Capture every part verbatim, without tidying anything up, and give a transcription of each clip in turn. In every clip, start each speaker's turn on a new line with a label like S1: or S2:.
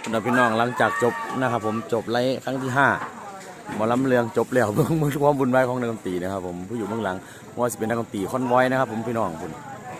S1: คุณพี่น้องหลังจากจบนะครับผมจบไลฟ์ครั้งที่ห้าหมอลำเลืองจบแล้วเบื้องมือความบุญไว้ของนักดนตรีนะครับผมผู้อยู่เบื้องหลังว่าจะเป็นนักดนตรีคอนไว้นะครับผมพี่น้องคุณ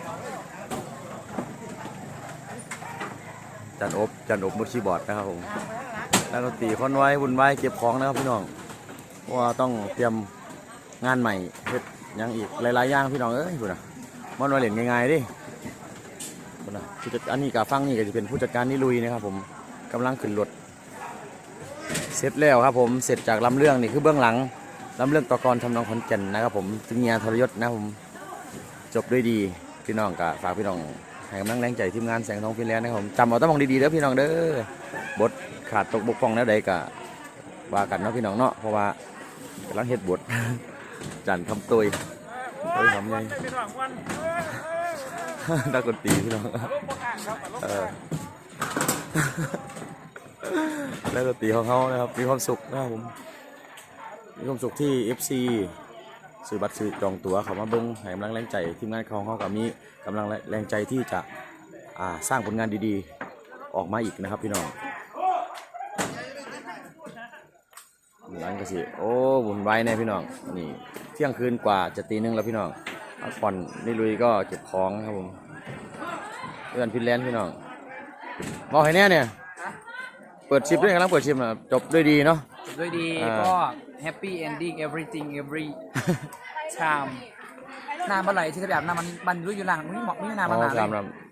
S1: จันอบจันอบมุดชีบอร์ดนะครับผมนักดนตรีคอนไว้บุญไว้เก็บของนะครับพี่น้องว่าต้องเตรียมงานใหม่เฮ็ดยังอีกหลายๆอย่างพี่น้องเอ้ยคุณนะมันมาเล่นง่ายๆดิคุณนะผู้จัดอันนี้กับฟังนี่ก็จะเป็นผู้จัดการนี่ลุยนะครับผมกำลังขึ้นรถเสร็จแล้วครับผมเสร็จจากลำเรื่องนี่คือเบื้องหลังลำเรื่องตะกอนทำนองขอนแก่นนะครับผมจึงงานทรยศนะผมจบด้วยดีพี่น้องกับฝากพี่น้องให้กำลังแรงใจทีมงานแสงทองฟินแลนด์นะครับผมจำเอาต้องมองดีๆเด้อพี่น้องเด้อบทขาดตกบกพร่องแล้วใดกะว่ากันเนาะพี่น้องเนาะเพราะว่ากำลังเฮ็ดบทจันทำตัวตัวทำไงนักดนตรีพี่น้องเออแล้วก็ตีของเขานะครับมีความสุขนะครับผมมีความสุขที่ เอฟ ซี ซื้อบัตรซื้อจองตั๋วเขามาเบิ้งให้กำลังแรงใจทีมงานของเขากับมีกำลังแรงใจที่จะอ่าสร้างผลงานดีๆออกมาอีกนะครับพี่น้องหลังก็สิโอ้บุญไว้แน่พี่น้องนี่เที่ยงคืนกว่าจะตีหนึ่งแล้วพี่น้องพักผ่อนนี่ลุยก็เก็บของครับผมเพื่อนฟินแลนด์พี่น้องบอกให้แน่เนี่ยเปิดชิปด้วยกันแล้วเปิดชิปนะจบด้วยดีเนาะ
S2: จบด้วยดีก็แฮปปี้เอนดิ้ง everything every time น้ำอะไรที่แบบน้ำมันมันรู้อยู่หลังไม่เหมาะไม่น้ำมันหนาเลย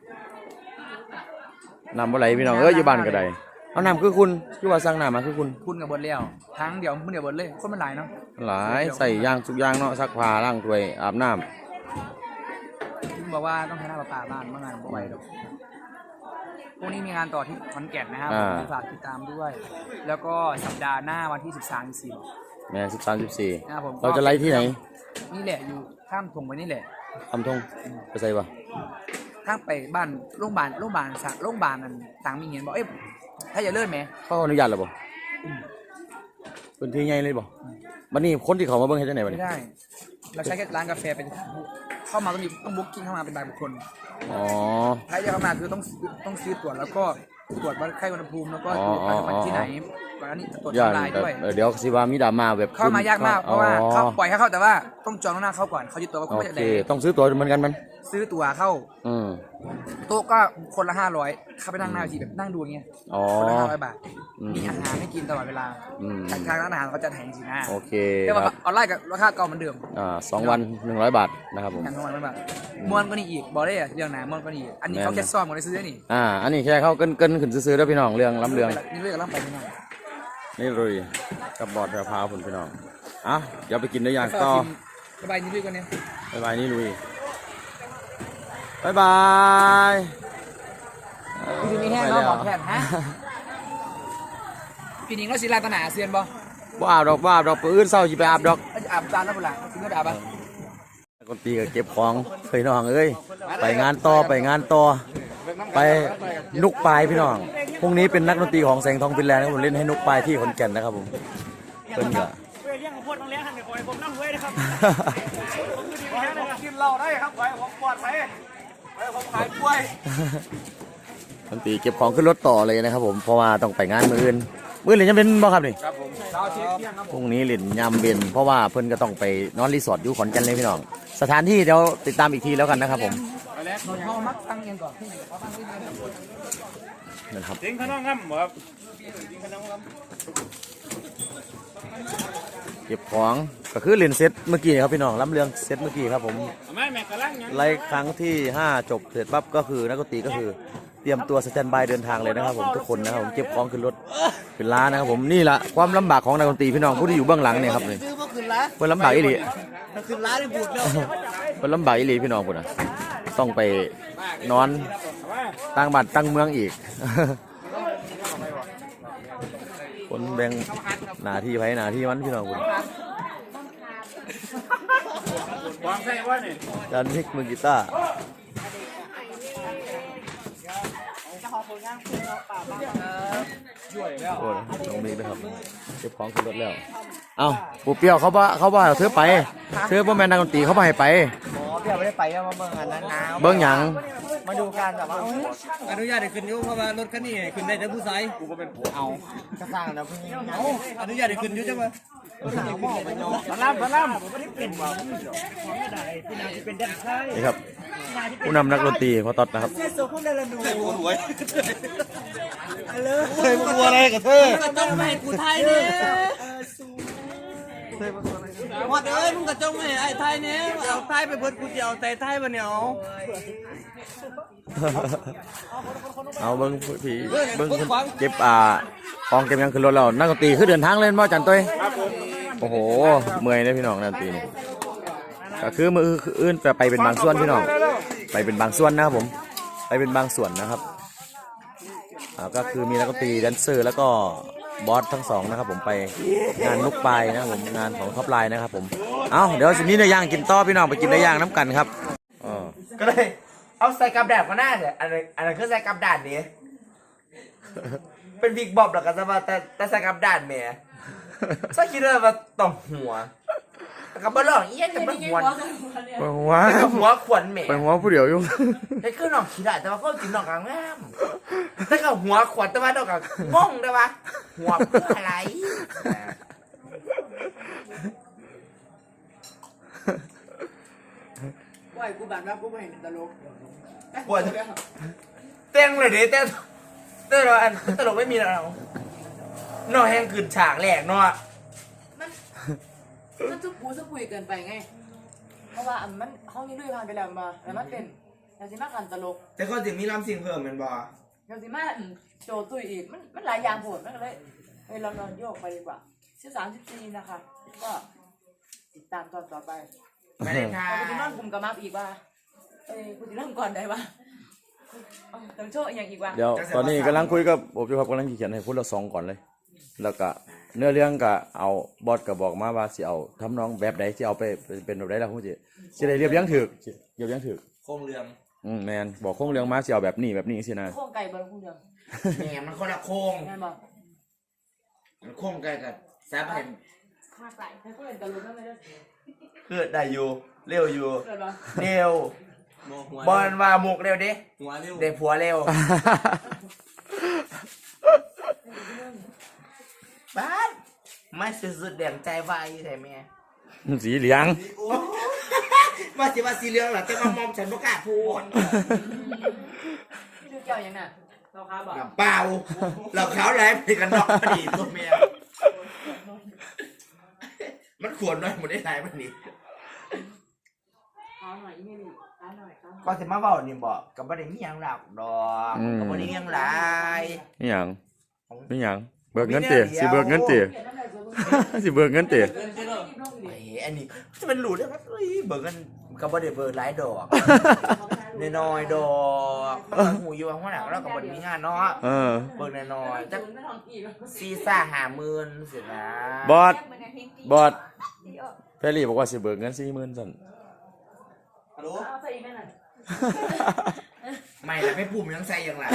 S1: น้ำอะไรพี่น้องเอ้ยอยู่บ้านก็ได้เอาน้ำคือคุณคือว่าสั่งน้ำมาคือคุณ
S2: คุณกับบนเลี้ยวทั้งเดี๋ยวมึงเดี๋ยวบนเลยคนมันหลายเนาะ
S1: หลายใส่ยางทุกอย่างเนาะซักผ้าล้างถ้วยอาบน้ำ
S2: คุณบอกว่าต้องใช้น้ำประปาบ้านเมื่องานบ่ไหวหรอกพรุ่งนี้มีงานต่อที่ขอนแก่นนะครับฝากติดตามด้วยแล้วก็สัปดาห์หน้าวันที่สิบสาม สิบสี่
S1: แม่สิบสามสิบสี่
S2: นะครับผม
S1: เราจะไล่ที่ไหน
S2: นี่แหละอยู่ข้ามทงไปนี่แหละ
S1: ทำทงไปใส่ปะ
S2: ข้างไปบ้านโรงพยาบาลโรงพยาบาลสักโรงพยาบาลนั่นต่างมีเงินบอกเอ้ยถ้าอย่าเลื่อนไหม
S1: เขาอนุญาตหรือเปล่าเป็นที่ใหญ่เลยบ่วันนี้คนที่เขามาเบิ้งให้ที่ไหนวันนี้
S2: ไม่ได้เราใช้แค่ร้านกาแฟเป็นเข้ามาต้องมีต้องบุ๊กกิ้งเข้ามาเป็นรายบุคคล
S1: อ๋อ
S2: ใครจะเข้ามาคือต้องต้องซื้อตรวจแล้วก็ตรวจวัดไข้อุณหภูมิแล้วก็ตรวจวัดที่ไหนก่อนนี้จะตรวจทำลายด้วย
S1: เดี๋ยวสิว่ามีดราม่าแบบ
S2: เข้ามายากมากเพราะว่าเขาปล่อยให้เข้าแต่ว่าต้องจองล่วงหน้าเข้าก่อนเขายึดตัวว่าเขาไม่ได้
S1: ต้องซื้อตั๋วเหมือนกันมัน
S2: ซื้อตั๋วเข้าโต๊ะก็คนละห้าร้อยเข้าไปนั่งหน้าทีแบบนั่งดูอย่างเงี้ยคนละห้าร้อยบาทมีอาหารให้กินตลอดเวลาทางร้านอาหารเขาจะแถมสินะ
S1: โอเค
S2: แต่ว่าออนไลน์กับราคาเก่าเหมือนเดิม
S1: อ่าสองวันหนึ่งร้อยบาทนะครับผม
S2: สองวันหนึ่งร้อยบาทม้วนก็นี่อีกบอกได้เรื่องไหนม้วนก็นี่อันนี้เขาแค่ซ่อมกันเลยซื้อนี่
S1: อ่าอันนี้แค่เขาเกินเกินขึ้นซื้อๆแล้วพี่น้องเรื่องล้ำเรื่อง
S2: นี่เรื่องล้ำไปพี่น้อง
S1: นี่เลยกับบอดกระเพราผลพี่น้องอ่ะเดี๋ยวไปกินได้อย่างต่อ
S2: สบายนี่ลุยกันเนี่ย
S1: สบายนี่ลุยบายบาย
S2: พี่นี่แห้งเราบอกแทนฮะพี่นิ่งเราศิลาตนาเซียนบ่
S1: บ่อาบดอกบ่อาบดอกปืนเศร้าจีไปอาบดอก
S2: อาบจานแล้วบุหรี่ถึงก็อาบอ่ะ
S1: คนตีก็เก็บของเคยน้องเอ้ยไปงานต่อไปงานต่อไปนุกปลายพี่น้องพรุ่งนี้เป็นนักดนตรีของแสงทองฟินแลนด์ผมเล่นให้นุกปลายที่ขอนแก่นนะครับผมเพิ่นก็
S3: เลี้ยงพวกต้องเลี้ยงหันเดี๋ยวผมนั่งเว้ยนะครับกินเหล้าได้ครับไปผมปลอดไปไปผมขายกล้วย
S1: ดนตรีเก็บของขึ้นรถต่อเลยนะครับผมเพราะว่าต้องไปงานมื้ออื่นมื้ออื่นยังเป็นบ่ครับนี่
S3: ครับผม
S1: พรุ่งนี้เล่นยามเย็นเพราะว่าเพิ่นก็ต้องไปนอนรีสอร์ทอยู่ขอนแก่นเลยพี่น้องสถานที่เดี๋ยวติดตามอีกทีแล้วกันนะครับผม
S2: เขามักตั้งเงินก่อน
S1: นะครับ
S3: จริงขนมงำครับจริงขนมงำ
S1: เก็บของก็คือเล่นเซตเมื่อกี้ครับพี่น้องล้ำเรื่องเซตเมื่อกี้ครับผมไล่ครั้งที่ห้าจบเสร็จปั๊บก็คือนักดนตรีก็คือเตรียมตัวสแตนบายเดินทางเลยนะครับผมทุกคนนะครับผมเก็บของขึ้นรถขึ้นล้านะครับผมนี่แหละความลำบากของนักดนตรีพี่น้องผู้ที่อยู่เบื้องหลังเนี่ยครับเลยเพื่อลำบากอีหลี
S2: ขึ้นล้าได้บุญแล้ว
S1: เพื่อลำบากอีหลีพี่น้องพุ่นนะต้องไปนอนตั้งบ้านตั้งเมืองอีกคนแบ่งหน้าที่ไว้หน้าที่มันพี่น้องพุ่นจานนิกมือกีตาร์โอ้ยน้องมิกนะครับเก็บของขึ้นรถแล้วเอ้าปูเปียวเขาว่าเขาว่าเธอไปเธอพ่อแม่นักดนตรีเขาไปไป
S3: เดี๋ยวไม่ได้ไปก็มาเบิ่งอันนั้นนะ
S1: เบิ่งหยัง
S3: มาดูกันแบบว่า
S2: อนุญาตให้ขึ้นอยู่เพราะว่ารถคันนี้ขึ้นได้แต่ผู้ชาย
S3: กูก็เป็นเอากระสร้างนะพี่เอา
S2: อนุญาตให้ขึ้นอยู่จังวะ
S3: สลับสลับผมไม่ได้เป็นว่าพี่นาที่เป็นแดนไซ
S1: นี่ครับผู้นำนักดนตรีพอตอดนะครับ
S3: เจ้าคนเดินดูปวดหัว
S1: เคยปวดอะไรกับเธอ
S2: ก็ต้องให้กูไทยเนี่ยหมดเอ้ยมึงก็จ้องให้ไอ้ไทยเนี่ยเอาไทยไปเบิดกูจะเอาแต่ไทยมาเนี่ยเอา
S1: เอาเบิ้งผีเบิ้งเก็บอ่าของเก็บยังขึ้นรถแล้วนักดนตรีคือเดินทางเล่นบ่จันตุ้ยโอ้โหเมื่อยเลยพี่น้องนักดนตรีนี่ก็คือมืออื่นแต่ไปเป็นบางส่วนพี่น้องไปเป็นบางส่วนนะครับผมไปเป็นบางส่วนนะครับอ่าก็คือมีนักดนตรีแดนเซอร์แล้วก็บอสทั้งสองนะครับผมไปงานลูกปลายนะครับผมงานของท็อปไลน์นะครับผมเอาเดี๋ยวสินี้เนื้อย่างกินต่อพี่น้องไปกินเนื้อย่างน้ำกันครับอ๋อ
S3: ก็เลยเอาใส่กับแดดมาหน้าเถอะอันนั้นอันนั้นคือใส่กับแดดนี้เป็นบิ๊กบอบหรอกกันซะว่าแต่แต่ใส่กับแดดแหม่ใส่คิดว่าว่าต้องหัวกับบ้าหลอกเอี้ยกับบ้าหัว
S1: ไปหัว
S3: กับหัวขวัญแหม่
S1: ไปหัวผู้เดียวอยู่
S3: ไอ้คือน้องขี้ได้แต่ว่าก็กินน้องกลางแง่มแต่กับหัวขวัญแต่ว่าน้องกลางง่องได้ปะหัวเพื่ออะไรปล่อยกูแบบว่ากูไม่เห็นตลกปล่อยเต้งเลยดิเต้งเต้งเราอันตลกไม่มีแล้วน้องแห้งขืนฉากแหลกเนาะ
S4: มันมันซุบปูซุบปุยเกินไปไง เพราะว่าอันมันห้องนี้ลุยผ่านไปแล้วมาแล้วมันเป็นยาซิมากันตลก
S3: แต่ก็จะมีลำสิ่งเพิ่มมันบ่
S4: ยาซิมาอันโจตุยอีกมันมันหลายอย่างโผล่มันก็เลยเฮ้ยเรานอนโยกไปดีกว่าสิบสามสิบสี่นะคะ ก็ติดตามตอนต่อไป
S3: ไม่ได้ทา
S4: เราไปนอนกลุ่มกับมาอีกว่าเอ้ยคุณจะเริ่มก่อนได้ปะเอาต้องโชว์อีกอย่างอีกว่า
S1: เดี๋ยวตอนนี้กำลังคุยกับผมอยู่ครับกำลังเขียนให้พูดละสองก่อนเลย แล้วก็เนื้อเรื่องก็เอาบอสก็บอกมาว่าสิเอาทำน้องแบบใดสิเอาไปเป็นแบบใดล่ะพูดสิสิได้เรียบเรียงถูกสิเรียบเรียงถูก
S3: โครงเรือง
S1: อืมแมนบอกโครงเรื่องมาสิเอาแบบนี้แบบนี้สินะ
S4: โค้งไก่บนคู่เดียว
S3: แหมมันคนละโครง
S4: งานบอก
S3: มันโครงไกลกับแซ่บเห็น
S4: ข้าไก่ให้ผู้เล่นตลกนั่นเลย
S3: เกิดได้อยู่เร็วอยู่
S4: เกิดปะ
S3: เร็วบอลว่ามุกเร็วดิ
S2: หัวเร็ว
S3: เด็กผัวเร็วบ้านไม่สุดๆแดงใจวายใช่ไหม
S1: สีเหลือง
S3: ว่าสิว่าสีเหลืองเหรอแต่ว่ามอมฉันประกล้าศพูด
S4: ชื่อเกี่ยวยังน่ะเราค้าบอก
S3: น้ำเปล่าเราขาวแหลมไปกันนอกพอดีตัวเมียมันขวนน้อยหมดได้ไรมันนี่
S4: ค้าหน่อยอีเมลค้าหน่อยค้าหน่อย
S3: ก็สิมาเว้านี่บอกกับบ่ได้มีหยังหลักดอกกับบ่ได้มีหยังหลาย
S1: นี่หยังนี่หยังเบิกเงินเตะสิเบิกเงินเตะ สิเบิกเงินเตะ
S3: เฮ้ยอันนี้จะเป็นหลุดได้ไหมเฮ้ยเบิกกันกับบ่ได้เบิกหลายดอกน้อยๆดอกหูอยู่ข้างหน้าแล้วก็บ่ได้มีงานเนาะ
S1: เออ
S3: เบิกน้อยๆจักสี่ซ่าห้าหมื่นสินะ
S1: บอสบอสแพรรี่บอกว่าสิเบิกเงินสี่หมื่นสั่น
S3: ฮัลโหล
S4: เอาใส่อีกแม่หน่อย
S3: ไม่ละไม่ปุ่มยังใส่ยังไง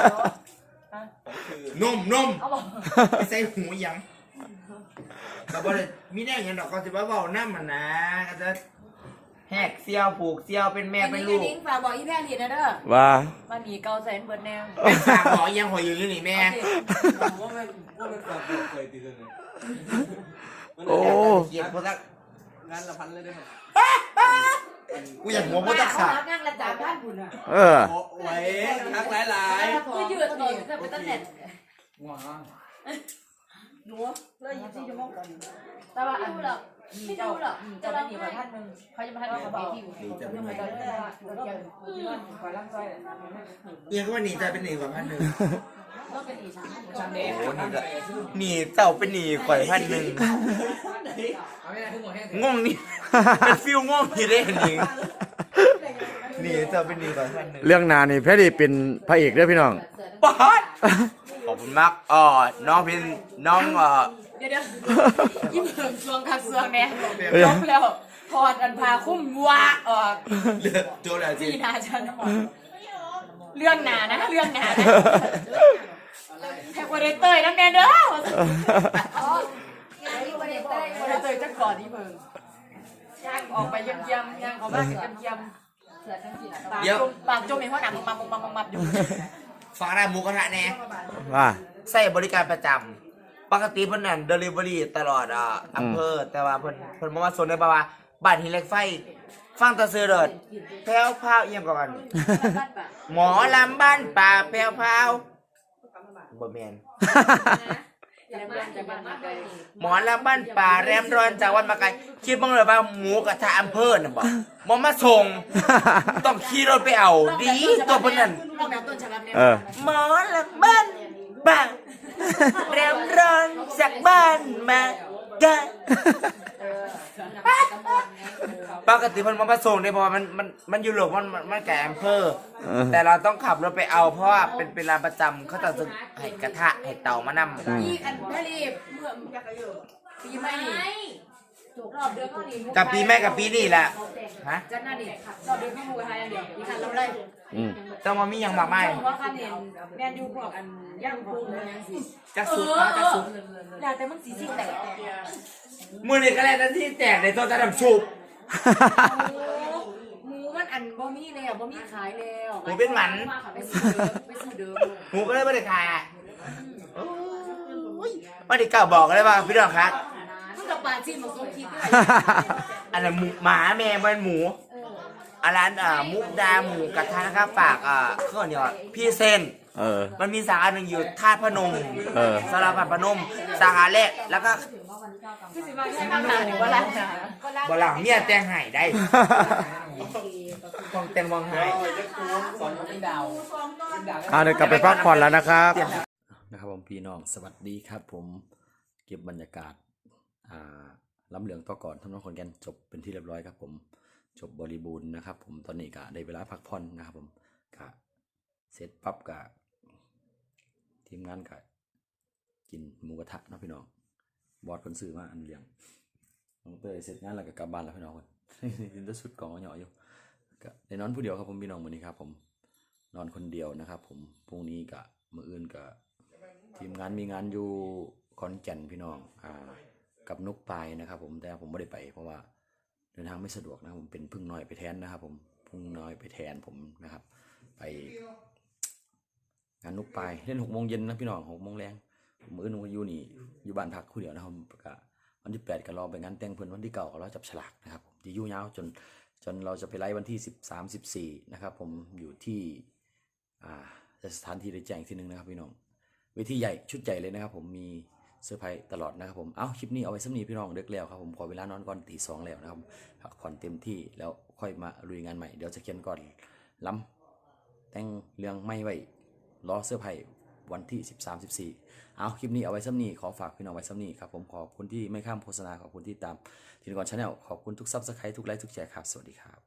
S3: นมนม
S4: เอาบอก
S3: ไม่ใส่หูยังกับบ่ได้มีแน่ยังดอกก็สิว่าเว้าน้ำมันนะก็จะแหกเสียวผูกเสียวเป็นแม่เป็นลูก
S4: นิ้งฝากบอกอีแพรลีนะเด้อ
S1: ว่า
S4: มาหนีเกาแสนเบิร์ดแนว
S3: เป็นฝากหมอยังหอยอยู่อยู่นี่แม่
S2: ว่าไม่ว่าไม่ฝากเคยตีเลย
S1: โอ้
S3: เกียรติพวกทัก
S2: งานละพันเลยได้ไหม
S3: กูอยากหัวพวกทักขาด
S4: งานระดับท่านคุณอ่ะ
S1: เออ
S2: ไว้ทักหลายหลาย
S4: คือยืดดีจะเป็นตำแหน่ง
S2: ว้า
S4: หนูเลยยี่สิบชั่วโมงก่อนแต่ว่าอันหรอกไม่ดูหรอกจะได้หนีกว่าท่านหนึ่งเขาจะมาให้เขาบอกเรื่องอะไรก็ได้ว่าเกี่ยวกับที่ว่าขอร่างกาย
S3: เอียก็ว่าหนีใจเป็นหนีกว่าพันหนึ่ง
S4: ก็เป็นอีชั้น
S2: ชันเด
S3: โอ้หนีจะหนีเต่าเป็นหนีกว่าพันหนึ่ง
S2: เอาไม่ได้ทุกหมดแห้ง
S3: ง่วงนี่เป็นฟิลง่วงนี่ได้หนีหนีเต่าเป็นหนีกว่าพันหนึ่ง
S1: เรื่องนานี่แพรรี่เป็นพระเอกเด้อพี่น้อง
S3: บอสขอบคุณมากอ๋อน้องพินน้องเอ่อ
S4: เดี๋ยวเดี๋ยวยิ้มเหิมซวงคักซวงแน่จบแล้วถอดอันพาคุ้มวะออก
S3: เลือดโจแล้วจริง
S4: พี่นาฉันเรื่องหนานะเรื่องหนานะแท็กวอร์เตอร์น้ำแดงเด้อวอร์เตอร์จะก่อนนี่เพิ่งออกไปเยี่ยมเยี่ยมยังเขาบ้านเยี่ยมเยี่ยมเสือจังสิปากจมปากจมมีเพราะหนังมัมมัมมัมมัมอยู่
S3: ฝากร้านหมูกระทะแน่
S1: ว่า
S3: ใส่บริการประจำปกติเพิ่นนั่นเดลิเวอรี่ตลอดอ่ะอำเภอแต่ว่าเพิ่นเพิ่นบ่มาสนได้บ่าว่าบ้านหินเหล็กไฟฟังแตะซื้อเด้อแพ้วพราวเอียงกว่ากันหมอลำบ้านป่าแพ้วพราวบ่แม่น หมอลำบ้านป่าแรมร้อนจากวันมาไกลคิดบ้างเลยว่าหมูกระทะอำเภอน่ะบอกมอมาส่ง ต้องขี่รถไปเอาดีตัวพนัน
S1: เออ
S3: หมอลำบ้านป่าแรมร้อนจากบ้านมาไกลปกติมันมาส่งได้เพราะว่ามันมันมันอยู่หลบมันมันแก่อำเภอ แต่เราต้องขับรถไปเอาเพราะว่าเป็นเป็นร้านประจำเขาจะซื้อให้กระทะให้เตามานำ
S4: อีกอันทะเลเมื่อปีใหม่รอบเดือนก็ดี
S3: กับปีแม่กับปีนี่แหละฮะ
S4: จันน่าดิรอบเดือนก็มูไทยอันเดียวมีคันเราเลย
S1: อืม
S3: ต้องมามีอย่างมากมาย
S4: ว่าคันเห็นแมนยูพวกอันย่างกุ้งยังสิ
S3: จะสุดจะสุด
S4: แล้วแต่มันสีสีแตก
S3: มือนี่ก็แล้วแต่ที่แตกในตัวจะดำชุบ
S4: หมูมันอันบ่มีแล้วบ่มีขายแล้ว
S3: หมูเป็นหมัน
S4: ไปซื้อเดิมไปซื้อเดิม
S3: หมูก็เลยไม่ได้ขายอ่ะไม่ได้กล่าวบอกเลยว่าพี่น้องครับ
S4: มันกับปลาจีนมาส่งคิดด้วย
S3: อันนั้นหมูหมาแม่เป็นหมูอาร้านอ่ามุกดาหมูกระทะนะครับฝากอ่าเครื่องเนี่ยพี่เซน
S1: เออ
S3: มันมีสาขาหนึ่งอยู่ท่าตุพนม
S1: เออ
S3: สารพัดพนมสาขาแรกแล้วก็
S4: ที่สิมาใช้ข้างหน้าหรือว่าร้าน
S3: บหลังเมียแต่งไห้ได้ต้องแต่งวังไห้
S2: สอนเป็นดาวเป็นดาว
S1: อ่าเดี๋ยวกลับไปพักผ่อนแล้วนะครับนะครับผมพี่น้องสวัสดีครับ ผมเก็บบรรยากาศอ่าล้ำเหลืองต่อก่อนทำน้องคนแกนจบเป็นที่เรียบร้อยครับผมจบบริบูรณ์นะครับ ผมตอนนี้ก็ได้เวลาพักผ่อนนะครับผมก็เสร็จปั๊บก็ทีมงานก็กินหมูกระทะนะพี่น้องบอสคนซื้อมาอันเลี้ยงน้องเตยเสร็จงานแล้วก็กลับบ้านแล้วพี่น้องคน กินแต่สุดกล่องเหยาะอยู่ก็ได้นอนผู้เดียวครับผมพี่น้องวันนี้ครับผมนอนคนเดียวนะครับผมพรุ่งนี้ก็มื้ออื่นก็ทีมงานมีงานอยู่ขอนแก่นพี่น้องอ่ากับนุกปลายนะครับผมแต่ผมไม่ได้ไปเพราะว่าเดินทางไม่สะดวกนะผมเป็นพึ่งน้อยไปแทนนะครับผมพึ่งน้อยไปแทนผมนะครับไปงานนุกปลายเล่นหกโมงเย็นนะพี่น้องหกโมงแรงมื้ออื่นผมอยู่นี่อยู่บ้านพักผู้เดียวนะครับก็วันที่แปดก็รอไปงานแต่งเพื่อนวันที่เก้าก็รอจับฉลากนะครับผมที่ยุ่ยาวจนจนเราจะไปไล่วันที่สิบสามสิบสี่นะครับผมอยู่ที่อ่าสถานที่ได้แจ้งที่หนึ่งนะครับพี่น้องเวทีใหญ่ชุดใหญ่เลยนะครับผมมีเซอร์ไพรส์ตลอดนะครับผมเอ้าคลิปนี้เอาไว้สักนี้พี่น้องเด็กแล้วครับผมขอเวลานอนก่อนตีสองแล้วนะครับพักผ่อนเต็มที่แล้วค่อยมาลุยงานใหม่เดี๋ยวจะเขียนก่อนล้ำแต่งเรื่องไม่ไว้รอเซอร์ไพรส์วันที่สิบสาม สิบสี่เอาคลิปนี้เอาไว้ซ้ำนี้ขอฝากพี่น้องไว้ซ้ำนี้ครับผมขอบคุณที่ไม่ข้ามโฆษณาขอบคุณที่ตามทีนก่อนชาแนลขอบคุณทุกซับสไครต์ทุกไลค์ทุกแชร์ครับสวัสดีครับ